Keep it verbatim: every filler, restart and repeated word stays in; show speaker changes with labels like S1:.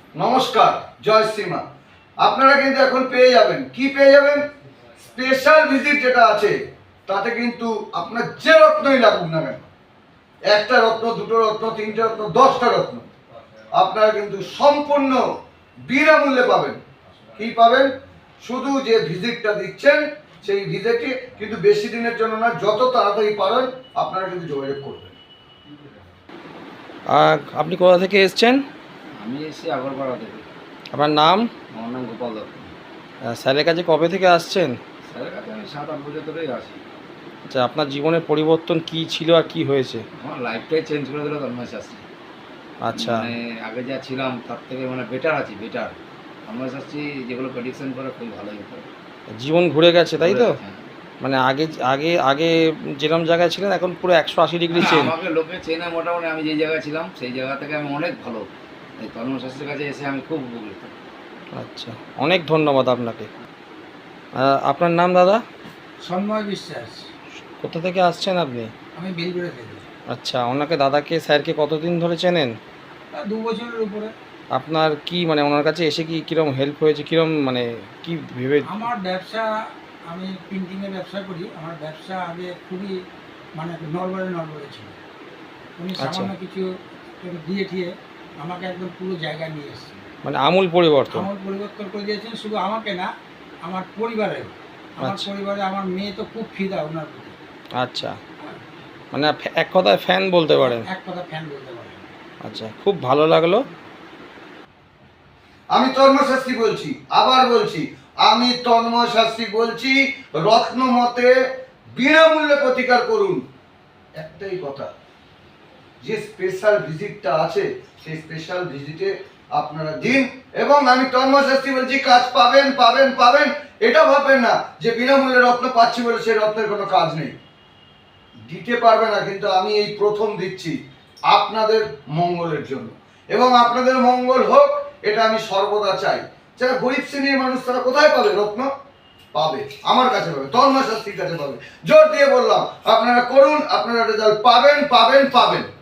S1: নমস্কার, জয় শ্রীমা। আপনারা কিন্তু এখন পেয়ে যাবেন, কি পেয়ে যাবেন? স্পেশাল ভিজিট যেটা আছে তাতে কিন্তু আপনার যে রত্নই লাগুক না কেন, একটা রত্ন, দুটো রত্ন, তিনটে রত্ন, দশটা রত্ন, আপনারা কিন্তু সম্পূর্ণ বিনামূল্যে পাবেন। কি পাবেন? শুধু যে ভিজিটটা দিচ্ছেন সেই ভিজিটে কিন্তু বেশি দিনের জন্য না, যত তাড়াতাড়ি পারেন আপনারা কিন্তু যোগাযোগ করবেন।
S2: আর আপনি কোথা থেকে এসেছেন?
S3: আমি এসেছি আগরপাড়া থেকে।
S2: আপনার নাম?
S3: আমার নাম গোপাল দত্ত।
S2: আহ, স্যারের কাছে কবে থেকে আসছেন?
S3: স্যারের কাছে আমি সাত আট বছর ধরেই আসি।
S2: আচ্ছা, আপনার জীবনের পরিবর্তন কি ছিল আর কি হয়েছে?
S3: আমার লাইফটাই চেঞ্জ করে দিল তন্ময় শাস্ত্রী।
S2: আচ্ছা,
S3: মানে আগে যা ছিলাম তার থেকে মানে বেটার আছি, বেটার। তন্ময় শাস্ত্রী যেগুলো প্রেডিকশন করে খুব ভালোই করে।
S2: জীবন ঘুরে গেছে তাই তো?
S3: হ্যাঁ।
S2: মানে আগে আগে আগে যেরকম জায়গায় ছিলেন এখন পুরো একশো আশি ডিগ্রি
S3: হ্যাঁ,
S2: চেঞ্জ।
S3: আমাকে লোকে চেনে মোটামুটি, আমি যে জায়গায় ছিলাম সেই জায়গা থেকে আমি অনেক ভালো। এই তন্ময় শাস্ত্রীর কাছে এসে আমি খুব উপকৃত।
S2: আচ্ছা, অনেক ধন্যবাদ আপনাকে। আহ, আপনার নাম দাদা?
S4: সন্ময় বিশ্বাস।
S2: কোথা থেকে আসছেন আপনি?
S4: আমি বেলগুড়ে থেকে।
S2: আচ্ছা, ওনাকে দাদাকে স্যারকে কতদিন ধরে চেনেন?
S4: তা দু বছরের উপরে।
S2: আপনার কি মানে ওনার কাছে এসে কি কীরকম হেল্প হয়েছে, কীরকম মানে কি ভেবে?
S4: আমার ব্যবসা, আমি প্রিন্টিংয়ের ব্যবসা করি। আমার ব্যবসা আগে খুবই মানে নড়বড়ে নড়বড়ে ছিল। উনি
S2: আচ্ছা।
S4: সামান্য কিছু একটু দিয়ে ঠিয়ে আমাকে একদম পুরো জায়গায় নিয়ে এসেছেন।
S2: মানে আমূল পরিবর্তন।
S4: আমার পরিবর্তন করে দিয়েছেন, শুধু আমাকে না, আমার পরিবারের। আমার
S2: আচ্ছা।
S4: পরিবারে আমার মেয়ে তো খুব ফিদা ওনার প্রতি।
S2: আচ্ছা, মানে ফ্যা- এক কথায় ফ্যান বলতে পারেন।
S4: এক কথা ফ্যান বলতে পারেন।
S2: আচ্ছা, খুব ভালো লাগলো।
S1: আমি তন্ময় শাস্ত্রী বলছি, আবার বলছি, আমি তন্ময় শাস্ত্রী বলছি, রত্ন মতে বিনামূল্যে প্রতিকার করুন। একটাই কথা, যে স্পেশাল ভিজিটটা আছে সেই স্পেশাল ভিজিটে আপনারা দিন, এবং আমি তন্ময় শাস্ত্রী বলছি, কাজ পাবেন পাবেন পাবেন। এটা ভাববেন না যে বিনামূল্যে রত্ন পাচ্ছি বলে সেই রত্নের কোনো কাজ নেই। দিতে পারবে না, কিন্তু আমি এই প্রথম দিচ্ছি আপনাদের মঙ্গলের জন্য, এবং আপনাদের মঙ্গল হোক এটা আমি সর্বদা চাই। যারা গরিব শ্রেণীর মানুষ তারা কোথায় পাবে রত্ন? পাবে আমার কাছে, পাবে তন্ময় শাস্ত্রীর কাছে পাবে। জোর দিয়ে বললাম, আপনারা করুন, আপনারা রেজাল্ট পাবেন পাবেন পাবেন।